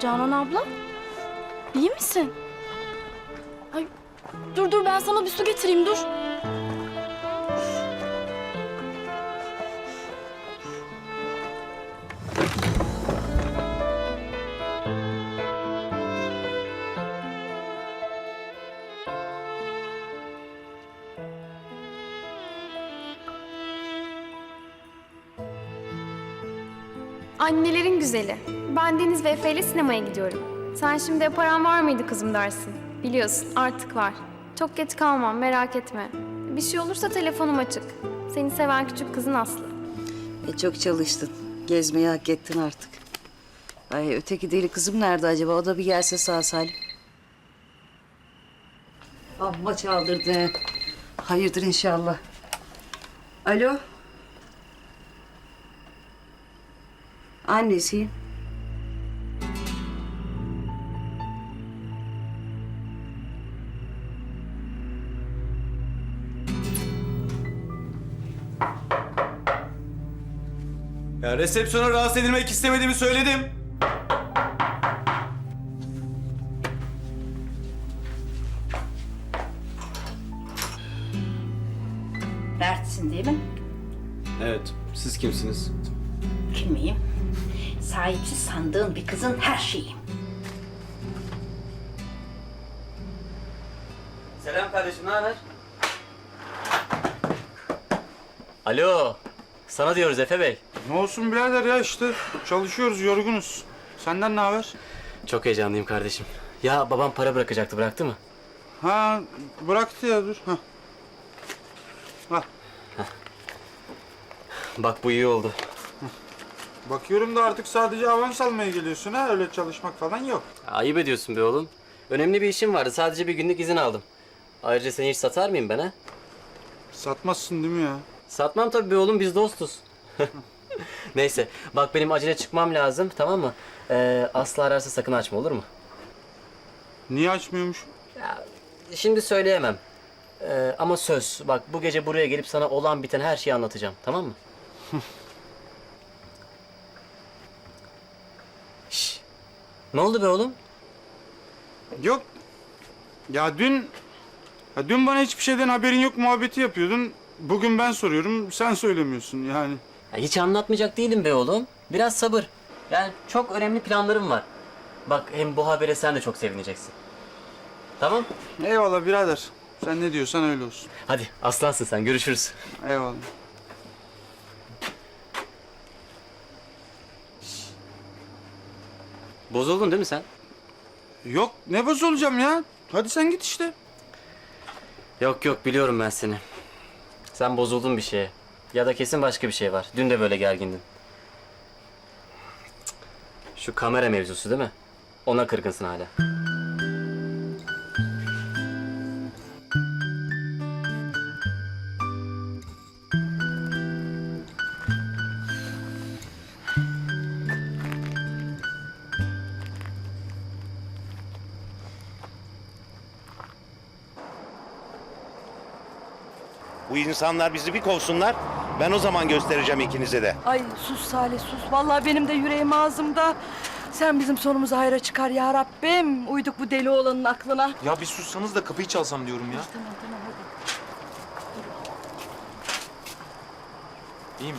Canan abla, iyi misin? Ay, dur ben sana bir su getireyim dur. Annelerin güzeli. Ben Deniz ve Efe ile sinemaya gidiyorum. Sen şimdi paran var mıydı kızım dersin. Biliyorsun artık var. Çok geç kalmam merak etme. Bir şey olursa telefonum açık. Seni seven küçük kızın Aslı. Çok çalıştın. Gezmeyi hak ettin artık. Ay öteki deli kızım nerede acaba? O da bir gelse sağ salim. Amma çaldırdı. Hayırdır inşallah. Alo. Annesiyim. Ya resepsiyona rahatsız edilmek istemediğimi söyledim. Mert'sin değil mi? Evet, siz kimsiniz? Kim miyim? Sahipsiz sandığın bir kızın her şeyiyim. Selam kardeşim, ne haber? Alo, sana diyoruz Efe Bey. Ne olsun birader ya işte çalışıyoruz, yorgunuz. Senden ne haber? Çok heyecanlıyım kardeşim. Ya babam para bırakacaktı, bıraktı mı? Ha bıraktı ya dur. Ha. Ha. Bak bu iyi oldu. Bakıyorum da artık sadece avans almaya geliyorsun ha. Öyle çalışmak falan yok. Ayıp ediyorsun be oğlum. Önemli bir işim vardı, sadece bir günlük izin aldım. Ayrıca seni hiç satar mıyım ben ha? Satmazsın değil mi ya? Satmam tabii be oğlum, biz dostuz. Neyse, bak benim acele çıkmam lazım, tamam mı? Aslı ararsa sakın açma, olur mu? Niye açmıyormuş? Şimdi söyleyemem. Ama söz, bak bu gece buraya gelip sana olan biten her şeyi anlatacağım, tamam mı? Şş, ne oldu be oğlum? Yok. Ya dün bana hiçbir şeyden haberin yok muhabbeti yapıyordun. Bugün ben soruyorum, sen söylemiyorsun yani. Ya hiç anlatmayacak değilim be oğlum. Biraz sabır. Yani çok önemli planlarım var. Bak hem bu habere sen de çok sevineceksin. Tamam? Eyvallah birader. Sen ne diyorsan öyle olsun. Hadi aslansın sen, görüşürüz. Eyvallah. Bozuldun değil mi sen? Yok ne bozulacağım ya? Hadi sen git işte. Yok biliyorum ben seni. Sen bozuldun bir şeye. Ya da kesin başka bir şey var. Dün de böyle gergindin. Cık. Şu kamera mevzusu değil mi? Ona kırgınsın hala. Bu insanlar bizi bir kovsunlar. Ben o zaman göstereceğim ikinize de. Ay sus Salih sus. Vallahi benim de yüreğim ağzımda. Sen bizim sonumuzu hayra çıkar ya Rabbim. Uyduk bu deli oğlanın aklına. Ya bir sussanız da kapıyı çalsam diyorum ya. Tamam hadi. İyi mi?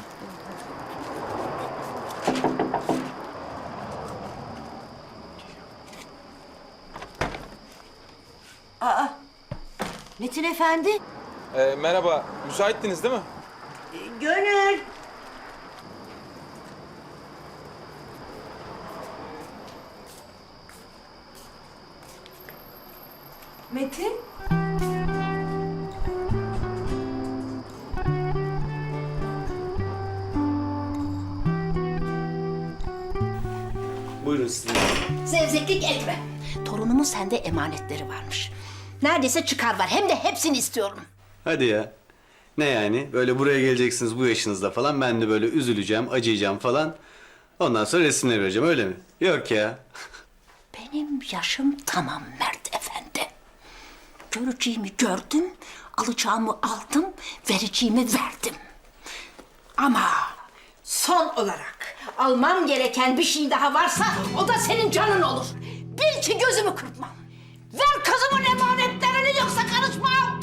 Metin Efendi. Merhaba, müsaittiniz değil mi? Gönül. Metin. Buyurun siz. Zevzeklik etme. Torunumun sende emanetleri varmış. Neredeyse çıkar var. Hem de hepsini istiyorum. Hadi ya. Ne yani? Böyle buraya geleceksiniz bu yaşınızda falan. Ben de böyle üzüleceğim, acıyacağım falan. Ondan sonra resimleri vereceğim öyle mi? Yok ya. Benim yaşım tamam Mert Efendi. Göreceğimi gördüm, alacağımı aldım, vereceğimi verdim. Ama son olarak Almam gereken bir şey daha varsa o da senin canın olur. Bil ki gözümü kırpmam. Ver kızımın emanetlerini yoksa karışmam.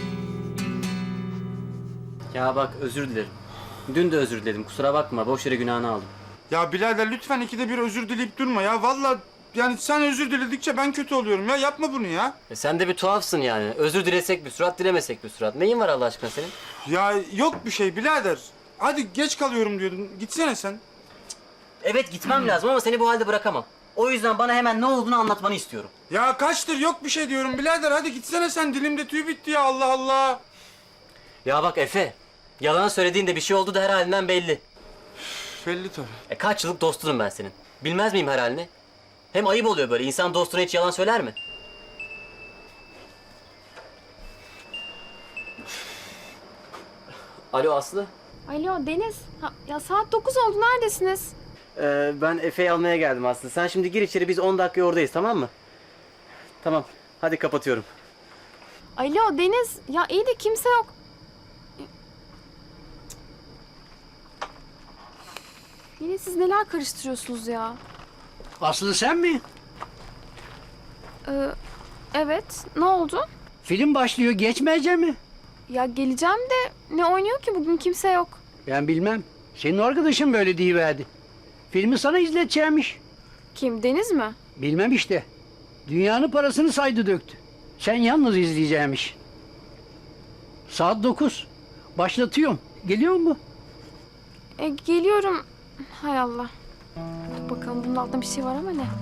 Ya bak özür dilerim. Dün de özür diledim. Kusura bakma. Boş yere günahını aldım. Ya birader lütfen ikide bir özür dileyip durma ya. Vallahi yani sen özür diledikçe ben kötü oluyorum ya. Yapma bunu ya. Sen de bir tuhafsın yani. Özür dilesek bir surat, dilemesek bir surat. Neyin var Allah aşkına senin? Ya yok bir şey birader. Hadi geç kalıyorum diyordun. Gitsene sen. Evet gitmem lazım ama seni bu halde bırakamam. O yüzden bana hemen ne olduğunu anlatmanı istiyorum. Ya kaçtır yok bir şey diyorum birader. Hadi gitsene sen. Dilimde tüy bitti ya. Allah Allah. Ya bak Efe, yalan söylediğinde bir şey oldu da her halinden belli. Belli tabii. Kaç yıllık dostunum ben senin. Bilmez miyim her halini? Hem ayıp oluyor böyle. İnsan dostuna hiç yalan söyler mi? Alo Aslı. Alo Deniz. Ya saat 9 oldu, neredesiniz? Ben Efe'yi almaya geldim Aslı. Sen şimdi gir içeri, biz 10 dakika oradayız, tamam mı? Tamam, hadi kapatıyorum. Alo Deniz. Ya iyi de kimse yok. Yine siz neler karıştırıyorsunuz ya? Aslı sen mi? Evet. Ne oldu? Film başlıyor, geçmeyecek mi? Ya geleceğim de ne oynuyor ki bugün, kimse yok. Ben bilmem. Senin arkadaşın böyle deyiverdi. Filmi sana izleteceğimiş. Kim, Deniz mi? Bilmem işte. Dünyanın parasını saydı döktü. Sen yalnız izleyeceğimiş. Saat 9. Başlatıyorum. Geliyor mu? Geliyorum. Hay Allah. Dur bakalım, bunun altında bir şey var ama ne?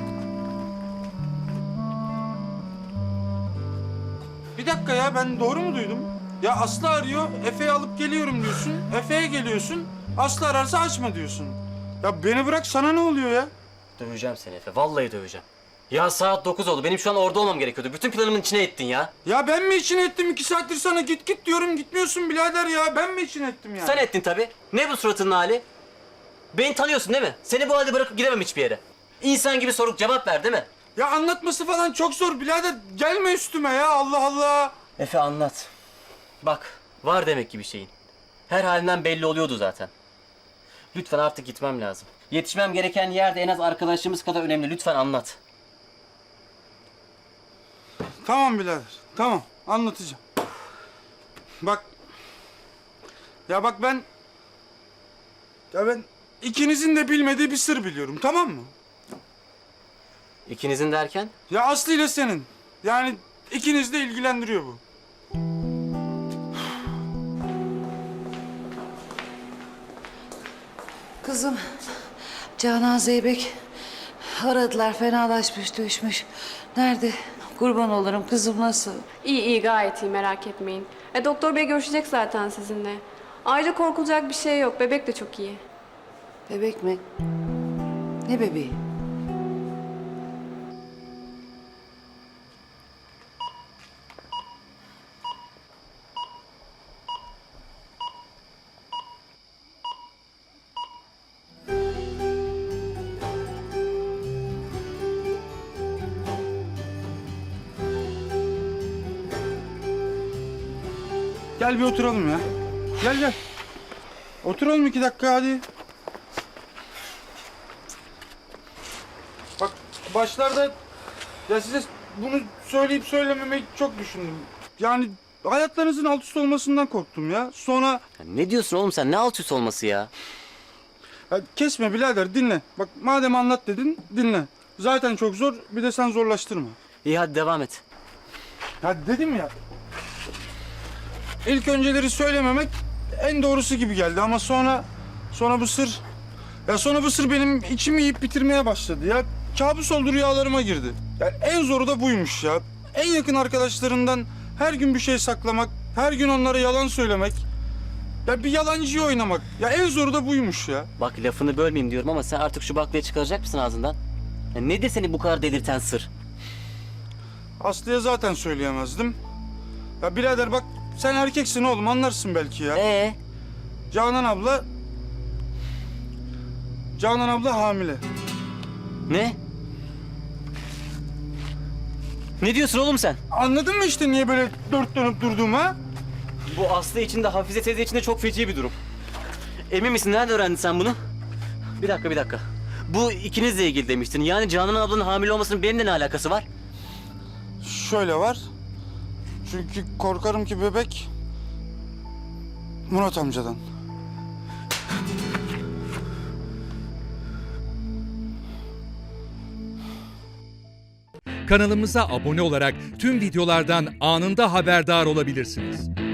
Bir dakika ya ben doğru mu duydum? Ya Aslı arıyor. Efe'yi alıp geliyorum diyorsun. Efe'ye geliyorsun. Aslı ararsa açma diyorsun. Ya beni bırak sana ne oluyor ya? Döveceğim seni Efe, vallahi döveceğim. Ya saat 9 oldu, benim şu an orada olmam gerekiyordu. Bütün planımın içine ettin ya. Ya ben mi için ettim 2 saattir sana git git diyorum gitmiyorsun birader ya. Ben mi için ettim ya? Sen ettin tabii. Ne bu suratının hali? Beni tanıyorsun değil mi? Seni bu halde bırakıp gidemem hiçbir yere. İnsan gibi sorup cevap ver değil mi? Ya anlatması falan çok zor birader. Gelme üstüme ya Allah Allah. Efe anlat. Bak, var demek ki bir şeyin. Her halinden belli oluyordu zaten. Lütfen artık gitmem lazım. Yetişmem gereken yerde en az arkadaşımız kadar önemli. Lütfen anlat. Tamam birader tamam anlatacağım. Bak. Ya bak ben ikinizin de bilmediği bir sır biliyorum tamam mı? İkinizin derken? Ya Aslı ile senin. Yani ikiniz de ilgilendiriyor bu. Kızım, Canan Zeybek aradılar, fenalaşmış, düşmüş. Nerede? Kurban olurum, kızım nasıl? İyi iyi, gayet iyi, merak etmeyin. Doktor bey görüşecek zaten sizinle. Ayrıca korkulacak bir şey yok. Bebek de çok iyi. Bebek mi? Ne bebeği? Gel bir oturalım ya. Gel gel. Oturalım 2 dakika hadi. Bak başlarda ya size bunu söyleyip söylememeyi çok düşündüm. Yani hayatlarınızın alt üst olmasından korktum ya. Sonra Ya ne diyorsun oğlum sen? Ne alt üst olması ya? ya kesme birader dinle. Bak madem anlat dedin dinle. Zaten çok zor bir de sen zorlaştırma. İyi hadi devam et. Ya dedim ya. İlk önceleri söylememek en doğrusu gibi geldi ama sonra bu sır benim içimi yiyip bitirmeye başladı ya. Kabus oldu rüyalarıma girdi. Ya en zoru da buymuş ya. En yakın arkadaşlarından her gün bir şey saklamak, her gün onlara yalan söylemek. Ya bir yalancıyı oynamak. Ya en zoru da buymuş ya. Bak lafını bölmeyeyim diyorum ama sen artık şu baklayı çıkaracak mısın ağzından? Ya nedir seni bu kadar delirten sır? Aslı'ya zaten söyleyemezdim. Ya birader bak sen erkeksin oğlum anlarsın belki ya. Canan abla hamile. Ne? Ne diyorsun oğlum sen? Anladın mı işte niye böyle dört dönüp durduğumu ha? Bu Aslı için de Hafize teyze için de çok feci bir durum. Emin misin? Nerede öğrendin sen bunu? Bir dakika. Bu ikinizle ilgili demiştin. Yani Canan ablanın hamile olmasının benimle ne alakası var? Şöyle var. Çünkü korkarım ki bebek Murat amcadan. Kanalımıza abone olarak tüm videolardan anında haberdar olabilirsiniz.